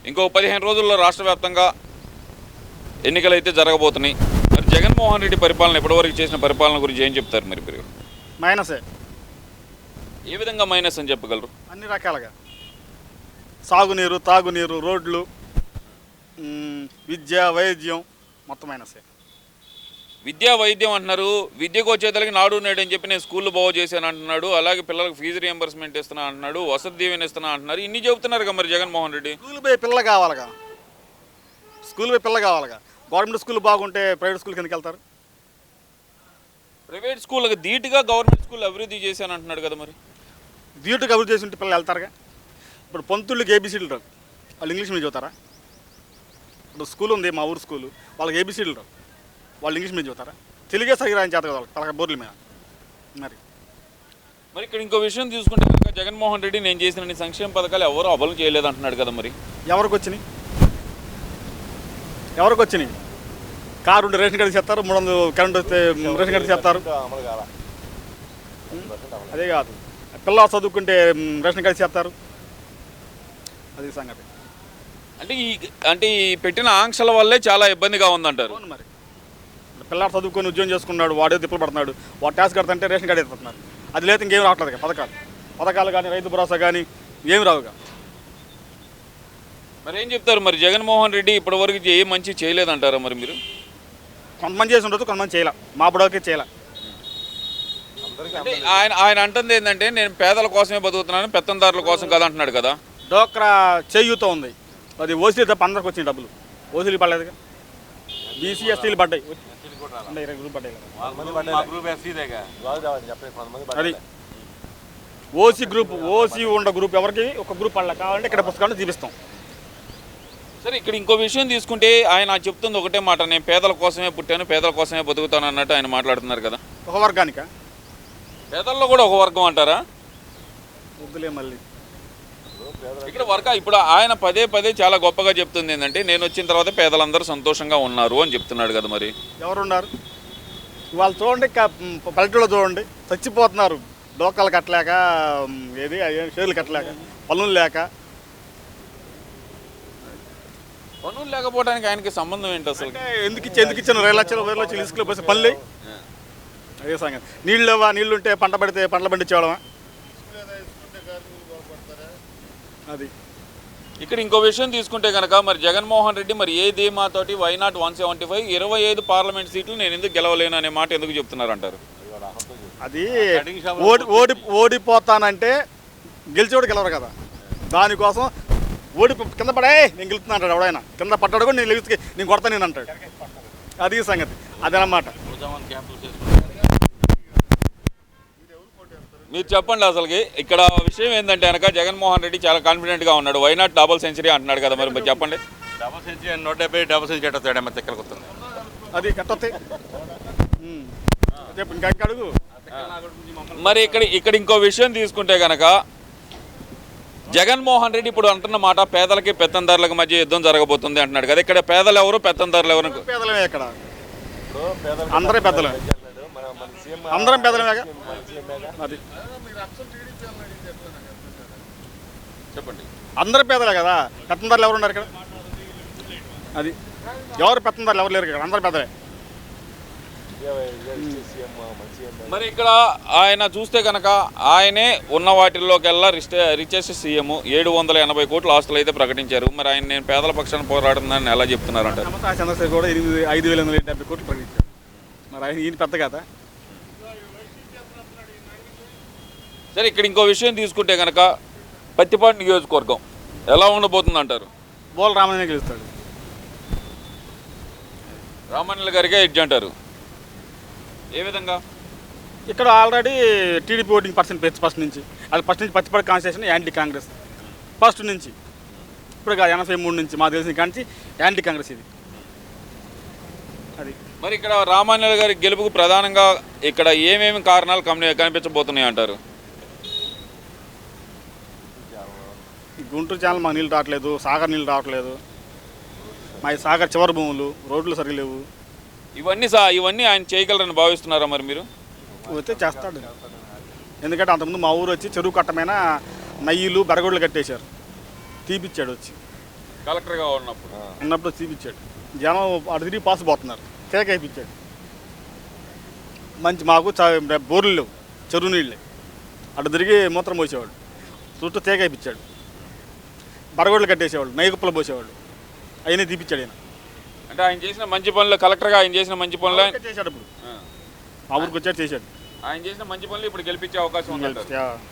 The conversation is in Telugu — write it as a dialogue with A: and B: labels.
A: ఇంకో 15 రోజుల్లో రాష్ట్ర వ్యాప్తంగా ఎన్నికలు అయితే జరగబోతున్నాయి. మరి జగన్మోహన్ రెడ్డి పరిపాలన ఇప్పటివరకు చేసిన పరిపాలన గురించి ఏం చెప్తారు మరి మీరు?
B: మైనసే.
A: ఏ విధంగా మైనస్ అని చెప్పగలరు?
B: అన్ని రకాలుగా సాగునీరు, తాగునీరు, రోడ్లు, విద్య, వైద్యం మొత్తం మైనసే.
A: విద్యా వైద్యం అంటున్నారు. విద్యకు వచ్చేతలకి నాడు నేడు అని చెప్పి నేను స్కూల్లో బాగు చేశాను అంటున్నాడు. అలాగే పిల్లలకు ఫీజు రియంబర్స్మెంట్ ఇస్తున్నా అంటున్నాడు, వసతి దీవెన ఇస్తున్నా అంటున్నారు. ఇన్ని చెబుతున్నారు కదా మరి జగన్మోహన్ రెడ్డి.
B: స్కూల్ పోయి పిల్లలు కావాలిగా, స్కూల్ పోయి పిల్లలు కావాలిగా. గవర్నమెంట్ స్కూల్ బాగుంటే ప్రైవేట్ స్కూల్కి ఎందుకు వెళ్తారు?
A: ప్రైవేట్ స్కూళ్ళకి ధీటుగా గవర్నమెంట్ స్కూల్ అభివృద్ధి చేశాను అంటున్నాడు కదా మరి.
B: ధీటుగా అభివృద్ధి చేసి ఉంటే పిల్లలు వెళ్తారుగా. ఇప్పుడు పంతుళ్ళకి ఏబీసీలు రావు, వాళ్ళు ఇంగ్లీష్ మీడియం చదువుతారా? ఇప్పుడు స్కూల్ ఉంది, మా ఊరు స్కూలు, వాళ్ళకి ఏబీసీలు రావు, వాళ్ళు ఇంగ్లీష్ మీడియం చదువుతారా? తెలుగే సరిగా రాని చేత కదా వాళ్ళకి పలక బోర్ల మీద.
A: మరి ఇక్కడ ఇంకో విషయం తీసుకుంటే కనుక జగన్మోహన్ రెడ్డి నేను చేసిన సంక్షేమ పథకాలు ఎవరు అమలు చేయలేదు అంటున్నాడు కదా మరి.
B: ఎవరికి వచ్చినాయి? ఎవరికి వచ్చినాయి? కారు ఉంటే రేషన్ కార్డు చేస్తారు, 300 కరెంట్ వస్తే రేషన్ కార్డు చేస్తారు. అదే కాదు, పిల్లలు చదువుకుంటే రేషన్ కార్డు చేస్తారు. అది సంగతి.
A: అంటే ఈ పెట్టిన ఆంక్షల వల్లే చాలా ఇబ్బందిగా ఉందంటారు.
B: అవును మరి. పిల్లాడు చదువుకొని ఉద్యోగం చేసుకున్నాడు, వాడే తిప్పలు పడుతున్నాడు, వాడు ట్యాక్స్ కడుతుంటే రేషన్ కార్డు ఎత్తుతున్నారు. అది లేదు ఇంకేం రావట్లేదు. పథకాలు కానీ రైతు భరోసా కానీ ఏమి రావుగా.
A: మరి ఏం చెప్తారు మరి జగన్మోహన్ రెడ్డి ఇప్పటివరకు ఏ మంచి చేయలేదంటారా మరి మీరు?
B: కొంతమంది చేసి ఉండొచ్చు, కొంతమంది చేయలే. మా బుడవకి చేయలే.
A: ఆయన అంటుంది ఏంటంటే నేను పేదల కోసమే బతుకుతున్నాను, పెత్తందారుల కోసం కదా అంటున్నాడు కదా.
B: డోక్రా చేయూతో ఉంది, అది ఓసీలు తప్ప అందరికి వచ్చిన డబ్బులు. ఓసీలు పడలేదుగా, బీసీ ఎస్టీలు పడ్డాయి. 20 గ్రూప్ పడ్డాయి. అది ఓసీ గ్రూప్, ఓసీ ఉన్న గ్రూప్ ఎవరికి ఒక గ్రూప్ పడలే. కావాలంటే ఇక్కడ పుస్తకాలను చూపిస్తాం.
A: సరే, ఇక్కడ ఇంకో విషయం తీసుకుంటే ఆయన చెప్తుంది ఒకటే మాట, నేను పేదల కోసమే పుట్టాను, పేదల కోసమే బతుకుతాను అన్నట్టు ఆయన మాట్లాడుతున్నారు కదా.
B: ఒక వర్గానిక?
A: పేదల్లో కూడా ఒక వర్గం అంటారా?
B: వద్దులే మళ్ళీ.
A: ఇక్కడ ఇప్పుడు ఆయన పదే పదే చాలా గొప్పగా చెప్తుంది ఏంటంటే నేను వచ్చిన తర్వాత పేదలందరూ సంతోషంగా ఉన్నారు అని చెప్తున్నాడు కదా మరి.
B: ఎవరున్నారు వాళ్ళు? చూడండి, పల్లెటూళ్ళలో చూడండి, చచ్చిపోతున్నారు. డోకాలు కట్టలేక, ఏది షేర్లు కట్టలేక, పనులు లేక.
A: పనులు లేకపోవడానికి ఆయనకి సంబంధం ఏంటి అసలు?
B: ఎందుకు ఇచ్చాను 2 లక్షలు 10 లక్షలు ఇసుకలో పోసి పనులు. అదే సంగతి. నీళ్ళు లేవా? నీళ్ళు ఉంటే పంట పడితే పంటలు పండించేవాళ్ళమా? అది.
A: ఇక్కడ ఇంకో విషయం తీసుకుంటే కనుక మరి జగన్మోహన్ రెడ్డి మరి ఏ ధీమాతోటి వైనాట్ 175 25 పార్లమెంట్ సీట్లు నేను ఎందుకు గెలవలేను అనే మాట ఎందుకు చెప్తున్నారు అంటారు?
B: అది ఓడిపోతానంటే గెలిచేవాడు గెలవరు కదా. దానికోసం కింద పడే నేను గెలుతున్నా అంటాడు. ఎవడైనా కింద పట్టాడు కూడా నేను గెలిచి నేను కొడతా నేను అంటాడు. అది సంగతి. అదనమాట.
A: మీరు చెప్పండి అసలుకి ఇక్కడ విషయం ఏంటంటే కనుక జగన్మోహన్ రెడ్డి చాలా కాన్ఫిడెంట్గా ఉన్నాడు. వైనాట్ డబుల్ సెంచరీ అంటున్నాడు కదా మరి చెప్పండి.
C: డబుల్ సెంచరీ 170 డబుల్ సెంచరీ ఎట్టొస్తాడేమో తిక్కలకు వస్తుంది.
B: అది కట్టొస్తాయి. ఇంకా అడుగు.
A: మరి ఇక్కడ ఇంకో విషయం తీసుకుంటే కనుక జగన్మోహన్ రెడ్డి ఇప్పుడు అంటున్న మాట పేదలకి పెత్తందారులకు మధ్య యుద్ధం జరగబోతుంది అంటున్నాడు కదా. ఇక్కడ పేదలు ఎవరు, పెత్తందారులు ఎవరు?
B: పేదలమే. ఇక్కడ అందరే పెద్దలే, అందరం పెద్దలమే. అది
A: చెప్పండి.
B: అందరూ పేదలే కదా. పెత్తందారులు ఎవరు ఉన్నారు ఇక్కడ? అది ఎవరు పెత్తందారులు ఎవరు లేరు ఇక్కడ, అందరు పెద్దలే.
A: మరి ఇక్కడ ఆయన చూస్తే కనుక ఆయనే ఉన్న వాటిల్లోకెల్లా రిచెస్ట్ సీఎం. 780 కోట్ల ఆస్తులు అయితే ప్రకటించారు. మరి ఆయన నేను పేదల పక్షాన పోరాడుతున్నానని ఎలా చెప్తున్నారంట?
B: చంద్రశేఖర్ కూడా 5,870 కోట్లు ప్రకటించారు. మరి ఆయన ఈయన పెద్ద కదా.
A: సరే, ఇక్కడ ఇంకో విషయం తీసుకుంటే కనుక పత్తిపాడు నియోజకవర్గం ఎలా ఉండబోతుంది అంటారు?
B: బోల రామయ్య గెలుస్తాడు.
A: రామన్నల గారికే ఎడ్జ్ అంటారు. ఏ విధంగా?
B: ఇక్కడ already TDP voting percent first నుంచి, అది ఫస్ట్ నుంచి Prathipadu constitution anti Congress first నుంచి. ఇప్పుడు 83 నుంచి మాకు తెలిసిన కానీ యాంటీ కాంగ్రెస్ ఇది. అది
A: మరి ఇక్కడ రామాన్యుల గారి గెలుపుకు ప్రధానంగా ఇక్కడ ఏమేమి కారణాలు కనిపించబోతున్నాయి అంటారు?
B: గుంటూరు ఛానల్ మాకు నీళ్ళు రావట్లేదు, సాగర్ నీళ్ళు రావట్లేదు, మా సాగర్ చివరి భూములు, రోడ్లు సరిగా లేవు.
A: ఇవన్నీ ఆయన చేయగలరని భావిస్తున్నారా మరి మీరు?
B: అయితే చేస్తాడు. ఎందుకంటే అంతకుముందు మా ఊరు వచ్చి చెరువు కట్టమైన నయ్యిలు బరగొడ్లు కట్టేశారు, తీపిచ్చాడు వచ్చి.
A: కలెక్టర్గా ఉన్నప్పుడు
B: ఉన్నప్పుడు చూపించాడు. జనం అటు తిరిగి పాస్ పోతున్నారు, తేక వేయించాడు. మంచి మాకు బోర్లు లేవు, చెరువు నీళ్ళే, అటు తిరిగి మూత్రం పోసేవాడు, చుట్టూ తేక వేయించాడు. బరగొడ్లు కట్టేసేవాళ్ళు, నైకుప్పలు పోసేవాళ్ళు, అవన్నీ తీపిచ్చాడు ఆయన.
A: అంటే ఆయన చేసిన మంచి పనులు, కలెక్టర్గా ఆయన చేసిన మంచి పనులు
B: చేశాడు. ఇప్పుడు మా ఊరికి వచ్చాడు, చేశాడు.
A: ఆయన చేసిన మంచి పనులు ఇప్పుడు గెలిపించే అవకాశం ఉంది.